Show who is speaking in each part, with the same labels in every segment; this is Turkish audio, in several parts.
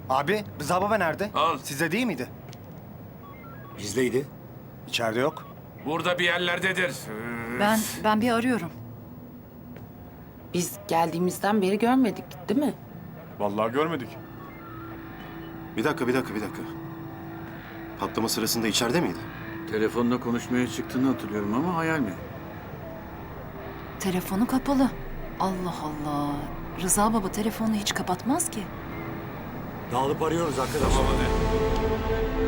Speaker 1: Abi, Rıza baba nerede?
Speaker 2: Al.
Speaker 1: Sizde değil miydi?
Speaker 3: Bizdeydi.
Speaker 1: İçeride yok.
Speaker 2: Burada bir yerlerdedir.
Speaker 4: Ben bir arıyorum.
Speaker 5: Biz geldiğimizden beri görmedik, değil mi?
Speaker 6: Vallahi görmedik.
Speaker 3: Bir dakika. Patlama sırasında içeride miydi?
Speaker 7: Telefonla konuşmaya çıktığını hatırlıyorum ama hayal mi?
Speaker 4: Telefonu kapalı. Allah Allah. Rıza baba telefonunu hiç kapatmaz ki.
Speaker 3: Dağılıp arıyoruz arkadaşlar.
Speaker 2: Tamam hadi.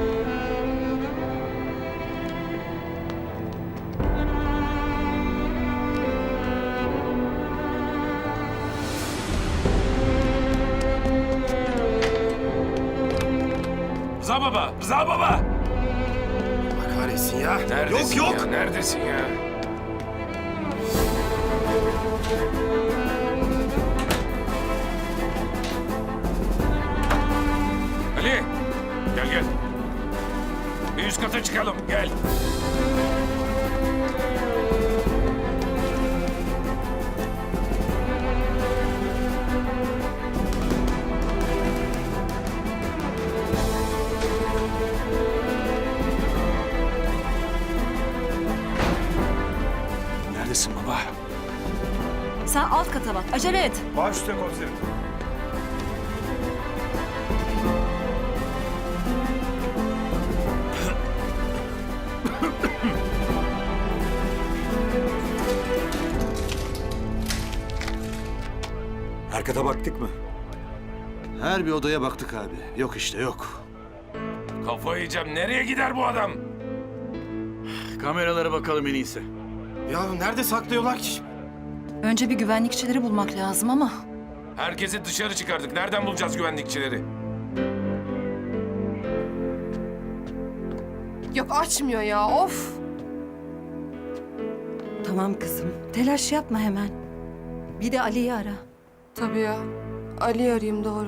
Speaker 2: Rıza baba! Rıza baba!
Speaker 3: Allah kahretsin ya.
Speaker 2: Neredesin
Speaker 3: yok.
Speaker 2: ya? Neredesin ya? Ali! Gel. Bir üst kata çıkalım. Gel.
Speaker 6: Neredesin baba?
Speaker 4: Sen alt kata bak. Acele et.
Speaker 6: Baş üstte komiserim.
Speaker 3: Her kata baktık mı?
Speaker 8: Her bir odaya baktık abi. Yok işte yok.
Speaker 2: Kafayı yiyeceğim. Nereye gider bu adam?
Speaker 7: Kameralara bakalım en iyisi.
Speaker 3: Ya nerede saklıyorlar ki?
Speaker 4: Önce bir güvenlikçileri bulmak lazım ama...
Speaker 2: Herkesi dışarı çıkardık. Nereden bulacağız güvenlikçileri?
Speaker 9: Yok açmıyor ya of.
Speaker 4: Tamam kızım. Telaş yapma hemen. Bir de Ali'yi ara.
Speaker 9: Tabii ya. Ali arayayım doğru.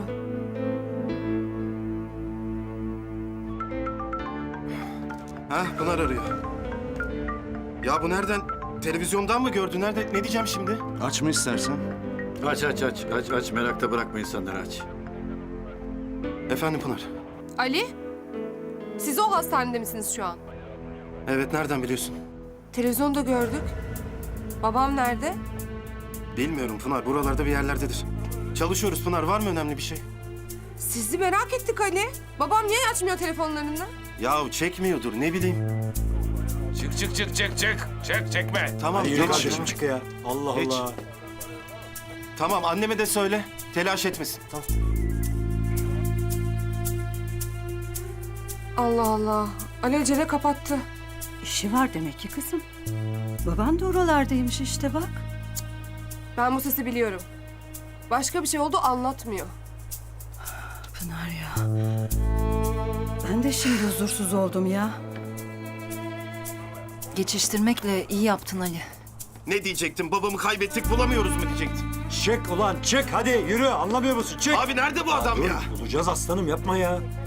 Speaker 3: Ha Pınar arıyor. Ya bu nereden? Televizyondan mı gördü? Nerede? Ne diyeceğim şimdi?
Speaker 8: Aç mı istersen?
Speaker 7: Aç. Merakta bırakma insanları aç.
Speaker 3: Efendim Pınar.
Speaker 9: Ali? Siz o hastanede misiniz şu an?
Speaker 3: Evet nereden biliyorsun?
Speaker 9: Televizyonda gördük. Babam nerede?
Speaker 3: Bilmiyorum Pınar. Buralarda bir yerlerdedir. Çalışıyoruz Pınar. Var mı önemli bir şey?
Speaker 9: Sizi merak ettik Ali. Babam niye açmıyor telefonlarını?
Speaker 3: Ya çekmiyordur. Ne bileyim.
Speaker 2: Çık. Çekme.
Speaker 3: Tamam.
Speaker 8: Hadi
Speaker 3: geç.
Speaker 8: yürü kardeşim çık ya. Allah
Speaker 3: Geç.
Speaker 8: Allah.
Speaker 3: Tamam anneme de söyle. Telaş etmesin. Tamam.
Speaker 9: Allah Allah. Ali acele kapattı.
Speaker 10: İşi var demek ki kızım. Baban da oralardaymış işte bak.
Speaker 9: Ben bu sesi biliyorum. Başka bir şey oldu anlatmıyor.
Speaker 10: Pınar ya. Ben de şimdi huzursuz oldum ya.
Speaker 4: Geçiştirmekle iyi yaptın Ali.
Speaker 3: Ne diyecektim? Babamı kaybettik bulamıyoruz mu diyecektim.
Speaker 11: Çık ulan çık hadi yürü anlamıyor musun çık.
Speaker 3: Abi nerede bu adam ya?
Speaker 11: Bulacağız aslanım yapma ya.